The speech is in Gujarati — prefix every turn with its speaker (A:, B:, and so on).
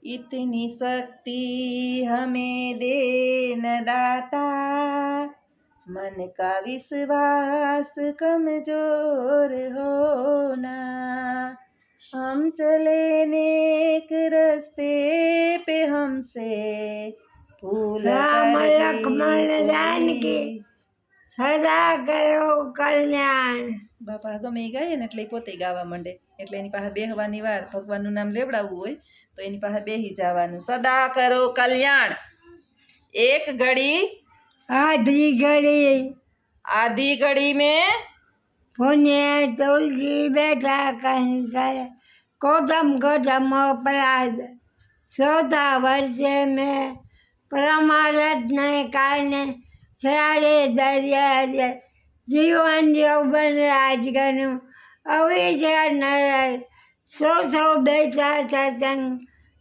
A: इतनी शक्ति हमें दे न दाता, मन का विश्वास कमजोर होना। हम चले नेक रस्ते पे हमसे भूल
B: રામ
A: कर
B: લક્ષ્મણ
A: गई
B: જાનકી
A: कोई।
B: સદા કરો કલ્યાણ।
A: બાપા ગમે એ ગાય ને એટલે ઈ પોતે ગાવા માંડે, એટલે એની પાસે બેહવાની વાર, ભગવાનનું નામ લેવડાવવું હોય તો એની પાસે બેહી જવાનું। સદા કરો કલ્યાણ, એક ઘડી
B: આધી ઘડી
A: आधी घड़ी में
B: પુણ્ય તુલસી બેઠા કહી કરે કોટમ કોટમ અપરાધ। ચોથા વર્ષે મેં પ્રમારત ને કારણે સારે દરિયા જીવન યૌવન રાજગનું અવિચાર નરાય સો બેઠા સત્સંગ